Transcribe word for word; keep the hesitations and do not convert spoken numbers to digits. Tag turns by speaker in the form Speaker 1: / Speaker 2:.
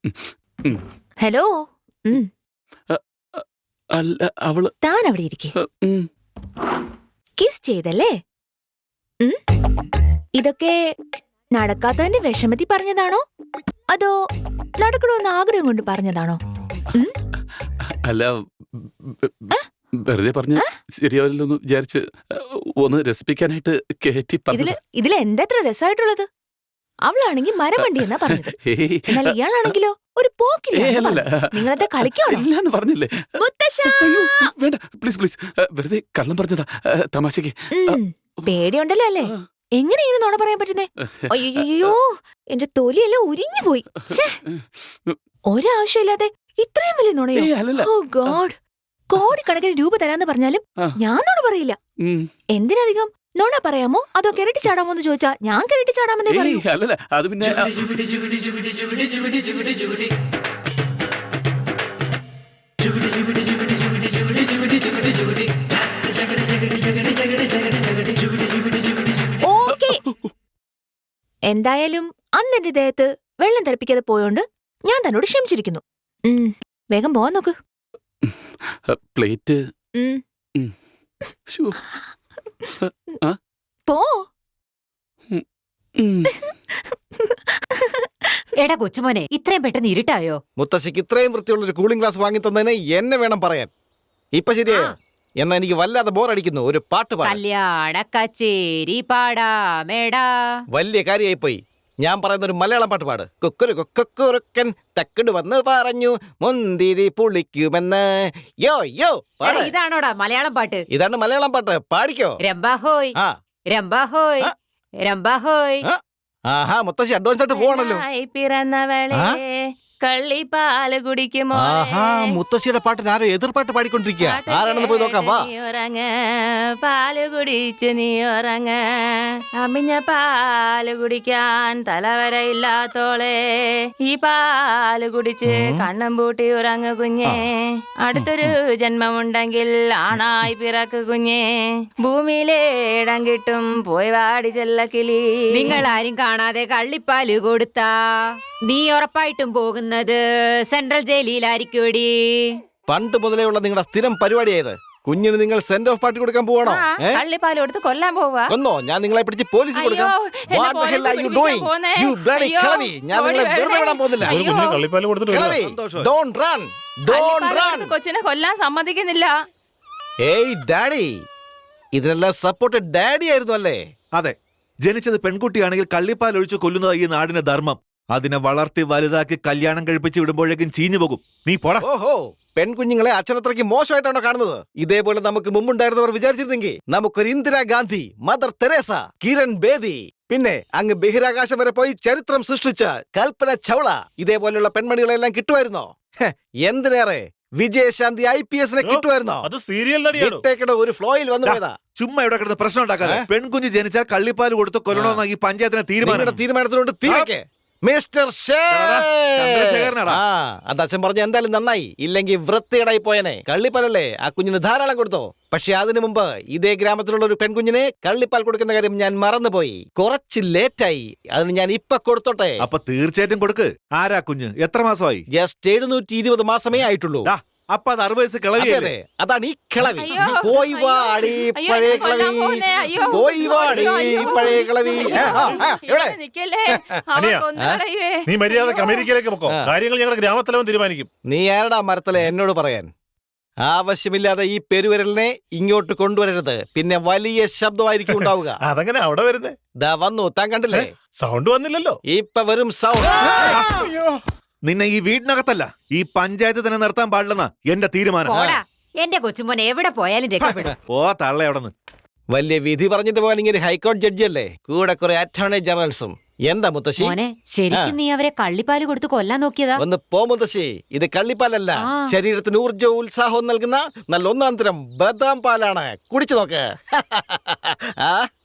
Speaker 1: Hello.
Speaker 2: അല്ല അവള്
Speaker 1: താൻ അവിടെ ഇരിക്കെ. കിസ് ചെയ്തല്ലേ? ഇതൊക്കെ നടക്കാത്തതിന്റെ വിഷമത്തിൽ പറഞ്ഞതാണോ അതോ നടക്കണമെന്ന് ആഗ്രഹം കൊണ്ട് പറഞ്ഞതാണോ?
Speaker 2: അല്ല, വെറുതെ പറഞ്ഞ ശരിയാവില്ലെന്ന് വിചാരിച്ച് ഒന്ന് രസിപ്പിക്കാനായിട്ട് കേറ്റി
Speaker 1: ഇതില് ഇതില് എന്താ ഇത്ര രസമായിട്ടുള്ളത്? അവളാണെങ്കിൽ മരമണ്ടി എന്നാ പറഞ്ഞത്. എന്നാൽ ഇയാളാണെങ്കിലോ ഒരു പോക്കില്ല. നിങ്ങളെന്താ കളിക്കാണോ
Speaker 2: പറഞ്ഞില്ലേ? വേണ്ട, പ്ലീസ് പ്ലീസ്, വെറുതെ കള്ളം പറഞ്ഞതാ, തമാശക്ക്.
Speaker 1: പേടിയുണ്ടല്ലോ അല്ലേ? എങ്ങനെയാണ് നോണ പറയാൻ പറ്റുന്നേ? അയ്യോ, എന്റെ തൊലിയെല്ലാം ഉരിഞ്ഞു പോയി. ഒരാവശ്യമില്ലാതെ ഇത്രയും വലിയ നുണയോ? ഓ ഗോഡ്, കോടിക്കണക്കിന് രൂപ തരാന്ന് പറഞ്ഞാലും ഞാൻ നോണ പറയില്ല. എന്തിനധികം നോണ പറയാമോ അതോ കിരട്ടി ചാടാമോ എന്ന് ചോദിച്ചാ ഞാൻ കിരട്ടി ചാടാമെന്നേ പറയൂ.
Speaker 2: അത് പിന്നെ
Speaker 1: എന്തായാലും അന്ന് എന്റെ ദേഹത്ത് വെള്ളം തെറിപ്പിക്കാതെ പോയോണ്ട് ഞാൻ തന്നോട് ക്ഷമിച്ചിരിക്കുന്നു. വേഗം പോവാൻ നോക്ക്.
Speaker 2: പ്ലേറ്റ്
Speaker 1: പോ.
Speaker 3: എടാ കൊച്ചുമോനെ, ഇത്രയും പെട്ടെന്ന് ഇരുട്ടായോ?
Speaker 4: മുത്തശ്ശിക്ക് ഇത്രയും വൃത്തിയുള്ള ഒരു കൂളിംഗ് ഗ്ലാസ് വാങ്ങി തന്നതിന് എന്നെ വേണം പറയാൻ. ഇപ്പൊ ശരിയായോ? എന്നാ എനിക്ക് വല്ലാതെ ബോറടിക്കുന്നു. ഒരു പാട്ട് പാടാം.
Speaker 3: കല്യാണ കച്ചേരി പാടാമേടാ.
Speaker 4: വലിയ കാര്യമായി പോയി. ഞാൻ പറയുന്ന ഒരു മലയാളം പാട്ട് പാട്. കുക്കുരു കുക്കുറുക്കൻ തക്കട് വന്ന് പറഞ്ഞു മുന്തിരി പുളിക്കുമെന്ന്. യോ യോ പാട്.
Speaker 3: ഇതാണോടാ മലയാളം പാട്ട്?
Speaker 4: ഇതാണ് മലയാളം പാട്ട്, പാടിക്കോ.
Speaker 3: രംബാഹോയ് രംബാഹോയ് രംബാഹോയ്.
Speaker 4: ആഹാ, മുത്തശ്ശി അഡ്വാൻസ് ആയിട്ട് പോകണല്ലോ.
Speaker 5: പിറന്നവളെ കള്ളിപ്പാല് കുടിക്കുമോ?
Speaker 4: ആഹാ, മുത്തശ്ശിയുടെ പാട്ടിന് ആരോ എതിർപ്പാട്ട് പാടിക്കൊണ്ടിരിക്കുക. ആരാണെന്ന് പോയി നോക്കാം. വാ.
Speaker 5: ഉറങ്ങ പാല് കുടിച്ച് നീ ഉറങ്ങ, അമിഞ്ഞ പാല് കുടിക്കാൻ തലവരയില്ലാത്തോളെ ഈ പാല് കുടിച്ച് കണ്ണം പൂട്ടി ഉറങ്ങു കുഞ്ഞേ. അടുത്തൊരു ജന്മമുണ്ടെങ്കിൽ ആണായി പിറക്കു കുഞ്ഞേ. ഭൂമിയിലെ ഇടം കിട്ടും പോയി വാടി ചെല്ല കിളി.
Speaker 3: നിങ്ങൾ ആരും കാണാതെ കള്ളിപ്പാല് കൊടുത്താ നീ ഉറപ്പായിട്ടും പോകുന്നത് സെൻട്രൽ ജയിലിലായിരിക്കൂടി.
Speaker 4: പണ്ട് മുതലേ ഉള്ള നിങ്ങളുടെ സ്ഥിരം പരിപാടിയായത്. കുഞ്ഞിന് നിങ്ങൾ സെന്റ് ഓഫ് പാർട്ടി കൊടുക്കാൻ പോവാണോ?
Speaker 5: കള്ളിപ്പാല് കൊടുത്ത് കൊല്ലാൻ പോവാ?
Speaker 4: കൊന്നോ? ഞാൻ നിങ്ങളെ പിടിച്ച് പോലീസ് കൊടുക്കാം. ഞാൻ നിങ്ങളെ വെറുതെ വിടാൻ പോകുന്നില്ല.
Speaker 5: കൊച്ചിനെ കൊല്ലാൻ സമ്മതിക്കുന്നില്ല.
Speaker 4: ഏയ് ഡാഡി, ഇതിനെല്ലാം സപ്പോർട്ട് ഡാഡി ആയിരുന്നു അല്ലേ?
Speaker 6: അതെ, ജനിച്ചത് പെൺകുട്ടിയാണെങ്കിൽ കള്ളിപ്പാൽ ഒഴിച്ച് കൊല്ലുന്നത് ഈ നാടിന്റെ ധർമ്മം. അതിനെ വളർത്തി വലുതാക്കി കല്യാണം കഴിപ്പിച്ച് വിടുമ്പോഴേക്കും ചീഞ്ഞു പോകും. നീ പോടാ.
Speaker 4: ഓഹോ, പെൺകുഞ്ഞുങ്ങളെ അച്ഛനത്രയ്ക്ക് മോശമായിട്ടാണോ കാണുന്നത്? ഇതേപോലെ നമുക്ക് മുമ്പുണ്ടായിരുന്നവർ വിചാരിച്ചിരുന്നെങ്കിൽ നമുക്കൊരു ഇന്ദിരാഗാന്ധി, മദർ തെരേസ, കിരൺ ബേദി, പിന്നെ അങ്ങ് ബഹിരാകാശം വരെ പോയി ചരിത്രം സൃഷ്ടിച്ച കൽപ്പന ചൗള, ഇതേപോലെയുള്ള പെൺമണികളെല്ലാം കിട്ടുമായിരുന്നോ? എന്തിനേറെ വിജയശാന്തി ഐ പി എസിനെ കിട്ടുമായിരുന്നോ?
Speaker 6: അത് സീരിയൽ നടിയാണ്.
Speaker 4: ഒരു ഫ്ലോയിൽ വന്നു പോയതാ.
Speaker 6: ചുമ്മാ ഇവിടെ കിടന്ന് പ്രശ്നം ഉണ്ടാക്കാതെ. പെൺകുഞ്ഞ് ജനിച്ചാൽ കള്ളിപ്പാൽ കൊടുത്ത് കൊല്ലണമെന്ന ഈ പഞ്ചായത്തിന് തീരുമാനം.
Speaker 4: തീരുമാനത്തിനോട് തീരക്കെ മിസ്റ്റർ
Speaker 6: ചന്ദ്രശേഖരനാടാ.
Speaker 4: അത് അച്ഛൻ പറഞ്ഞ എന്തായാലും നന്നായി. ഇല്ലെങ്കിൽ വൃത്തികേടായി പോയനെ. കള്ളിപ്പാലല്ലേ ആ കുഞ്ഞിന് ധാരാളം കൊടുത്തോ. പക്ഷെ അതിനു മുമ്പ് ഇതേ ഗ്രാമത്തിലുള്ള ഒരു പെൺകുഞ്ഞിനെ കള്ളിപ്പാൽ കൊടുക്കുന്ന കാര്യം ഞാൻ മറന്നുപോയി. കുറച്ച് ലേറ്റായി. അതിന് ഞാൻ ഇപ്പൊ കൊടുത്തോട്ടെ.
Speaker 6: അപ്പൊ തീർച്ചയായിട്ടും കൊടുക്ക്. ആരാ കുഞ്ഞ്? എത്ര മാസമായി?
Speaker 4: ജസ്റ്റ് എഴുന്നൂറ്റി ഇരുപത് മാസമേ ആയിട്ടുള്ളൂ.
Speaker 6: അപ്പൊ അത് അറുപത് വയസ്സ് കിളവിയല്ലേ?
Speaker 4: അതാണ് ഈ കിളവി. പോയി വാടി പഴയ കിളവി, പോയി വാടി പഴയ കിളവി.
Speaker 7: നീ മര്യാദക്ക് അമേരിക്കയിലേക്ക് പൊക്കോ. കാര്യങ്ങൾ ഞങ്ങളുടെ ഗ്രാമത്തലവൻ തീരുമാനിക്കും.
Speaker 4: നീ ആരടാ മരത്തല എന്നോട് പറയാൻ? ആവശ്യമില്ലാതെ ഈ പെരുവിരലിനെ ഇങ്ങോട്ട് കൊണ്ടുവരരുത്. പിന്നെ വലിയ ശബ്ദമായിരിക്കും ഉണ്ടാവുക.
Speaker 7: അതങ്ങനെ അവിടെ വരുന്നേ?
Speaker 4: ദാ വന്നു. താൻ കണ്ടില്ലേ?
Speaker 7: സൗണ്ട് വന്നില്ലല്ലോ.
Speaker 4: ഇപ്പൊ വരും സൗണ്ട്.
Speaker 6: നിന്നെ ഈ വീടിനകത്തല്ല, ഈ പഞ്ചായത്ത് തന്നെ നിർത്താൻ പാടില്ലെന്നാ എന്റെ തീരുമാനം.
Speaker 3: എന്റെ കൊച്ചുമോനെ എവിടെ പോയാലും രക്ഷപ്പെടും.
Speaker 6: ഓ തള്ള എവിടെന്ന്.
Speaker 4: വലിയ വിധി പറഞ്ഞിട്ട് പോകാൻ ഇങ്ങനെ ഹൈക്കോടതി ജഡ്ജി അല്ലേ, കൂടെ കുറെ അറ്റോർണി ജനറൽസും. എന്താ മുത്തശ്ശി?
Speaker 3: ശരിക്കും നീ അവരെ കള്ളിപ്പാല് കൊടുത്ത് കൊല്ലാൻ നോക്കിയതാ?
Speaker 4: ഒന്ന് പോ മുത്തശ്ശി. ഇത് കള്ളിപ്പാലല്ല, ശരീരത്തിന് ഊർജ്ജവും ഉത്സാഹവും നൽകുന്ന നല്ല ഒന്നാം തരം ബദാം പാലാണ്. കുടിച്ചു നോക്ക്. ആ